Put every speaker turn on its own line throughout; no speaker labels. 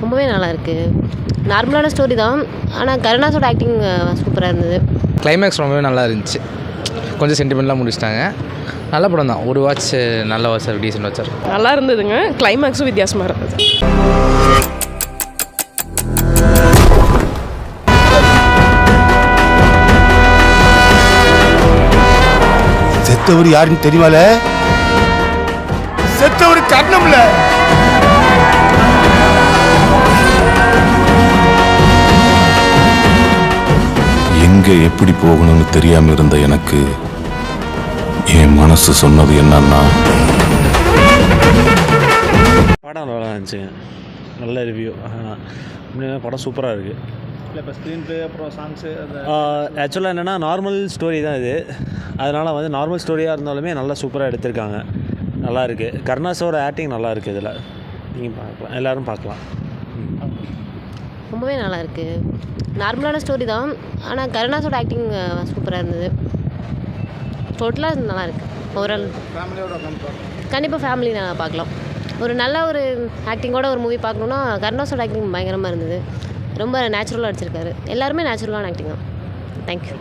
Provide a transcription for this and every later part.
ரொம்பவே நல்லாயிருக்கு. நார்மலான ஸ்டோரி தான். ஆனால் கருணாஸோட ஆக்டிங் சூப்பராக இருந்தது.
கிளைமேக்ஸ் ரொம்பவே நல்லா இருந்துச்சு. கொஞ்சம் சென்டிமெண்ட்லாம் முடிச்சிட்டாங்க. நல்ல படம் தான். ஒரு வாட்ச் நல்ல வாட்ச் டீசென்ட் வாட்சாக இருக்கும்.
நல்லா இருந்ததுங்க. கிளைமேக்ஸும் வித்தியாசமாக இருந்தது.
செத்தவர் யாருன்னு தெரியுமால? செத்தவர் கர்ணம்ல. எங்க எப்படி போகணும்னு தெரியாம இருந்த எனக்கு என் மனசு சொன்னது என்னன்னா,
படம் நல்லா இருந்துச்சுங்க. நல்ல ரிவ்யூ. படம் சூப்பராக இருக்குது.
இல்லை இப்போ ஸ்க்ரீன் ப்ளே அப்புறம் சாங்ஸு அந்த
ஆக்சுவலாக என்னென்னா நார்மல் ஸ்டோரி தான் இது. அதனால் வந்து நார்மல் ஸ்டோரியாக இருந்தாலுமே நல்லா சூப்பராக எடுத்திருக்காங்க. நல்லா இருக்குது. கருணாஸோட ஆக்டிங் நல்லா இருக்குது. இதில் நீங்கள் பார்க்கலாம், எல்லோரும் பார்க்கலாம்.
ரொம்பவே நல்லாயிருக்கு. நார்மலான ஸ்டோரி தான். ஆனால் கருணாஸோட ஆக்டிங் சூப்பராக இருந்தது. டோட்டலாக நல்லாயிருக்கு. ஓவரால்
ஃபேமிலியோட உட்காந்து
கண்டிப்பாக ஃபேமிலி நான் பார்க்கலாம். ஒரு நல்ல ஒரு ஆக்டிங்கோட ஒரு மூவி பார்க்கணுன்னா கருணாஸோட ஆக்டிங் பயங்கரமாக இருந்தது. ரொம்ப நேச்சுரலாக அடிச்சிருக்காரு. எல்லாருமே நேச்சுரலான ஆக்டிங் தான். தேங்க்யூ.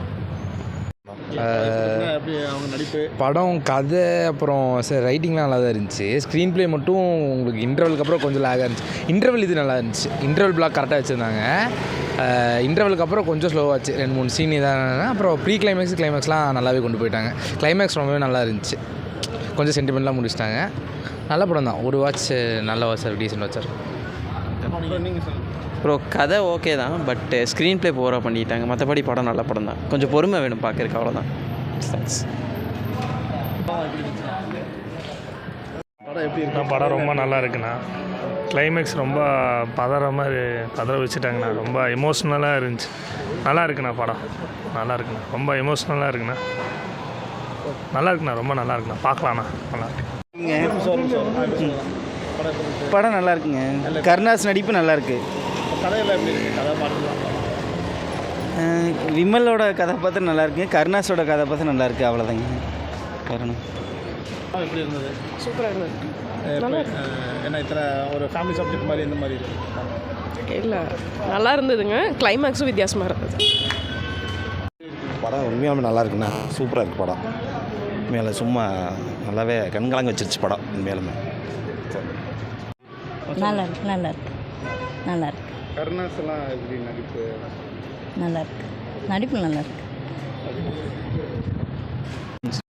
எப்படி அவங்க நடிப்பு,
படம் கதை அப்புறம் ரைட்டிங்லாம் நல்லா தான் இருந்துச்சு. ஸ்க்ரீன் ப்ளே மட்டும் உங்களுக்கு இன்டர்வலுக்கு அப்புறம் கொஞ்சம் லேகாக இருந்துச்சு. இன்டர்வல் இது நல்லா இருந்துச்சு. இன்டர்வல் பிளாக் கரெக்டாக வச்சுருந்தாங்க. இன்டர்வலுக்கு அப்புறம் கொஞ்சம் ஸ்லோவாச்சு. 2-3 சீன் இதான அப்புறம் ப்ரீ கிளைமேக்ஸ்லாம் நல்லாவே கொண்டு போயிட்டாங்க. கிளைமேக்ஸ் ரொம்பவே நல்லா இருந்துச்சு. கொஞ்சம் சென்டிமெண்ட்லாம் முடிச்சிட்டாங்க. நல்ல படம் தான். ஒரு வாட்ச் நல்ல வாட்ச் டீசென்ட் வாட்சாக இருக்கும்.
நீங்கள் சொல்லுங்கள்.
அப்புறம் கதை ஓகே தான், பட் ஸ்க்ரீன் ப்ளே போராக பண்ணிட்டாங்க. மற்றபடி படம் நல்ல படம் தான். கொஞ்சம் பொறுமை வேணும் பார்க்குறதுக்கு, அவ்வளோதான். தேங்க்ஸ்.
படம் எப்படி இருக்கு?
படம் ரொம்ப நல்லா இருக்குண்ணா. கிளைமேக்ஸ் ரொம்ப பதற வச்சுட்டாங்கண்ணா. ரொம்ப எமோஷ்னலாக இருந்துச்சு. நல்லா இருக்குண்ணா. படம் நல்லா இருக்குண்ணா. ரொம்ப எமோஷ்னலாக இருக்குண்ணா. நல்லா இருக்குண்ணா. ரொம்ப நல்லா இருக்குண்ணா. பார்க்கலாண்ணா. நல்லா இருக்கு.
படம் நல்லா இருக்குங்க. கருணாஸ் நடிப்பு நல்லா இருக்கு.
கதையெல்லாம் எப்படி இருக்குது? கதை பாட்டுலாம்
விமலோட கதாபாத்திரம் நல்லா இருக்குங்க. கருணாஸோட கதாபாத்திரம் நல்லா இருக்குது. அவ்வளோதாங்க காரணம்.
எப்படி இருந்தது?
சூப்பராக இருந்தது.
என்ன இத்தனை ஒரு ஃபேமிலி சப்ஜெக்ட் மாதிரி இந்த மாதிரி இருக்குது?
இல்லை, நல்லா இருந்ததுங்க. கிளைமேக்ஸும் வித்தியாசமாக இருந்தது.
படம் உண்மையாலுமே நல்லா இருக்குண்ணா. சூப்பராக இருக்குது படம். உண்மையில சும்மா நல்லாவே கண்கலங்க வச்சிருச்சு படம். உண்மையாலுமே
நல்லா இருக்கு. நல்லா இருக்கு. நல்லா இருக்கு.
கருணாஸ் எல்லாம் எப்படி நடிப்பு?
நல்லா இருக்கு. நடிப்பு நல்லா இருக்கு.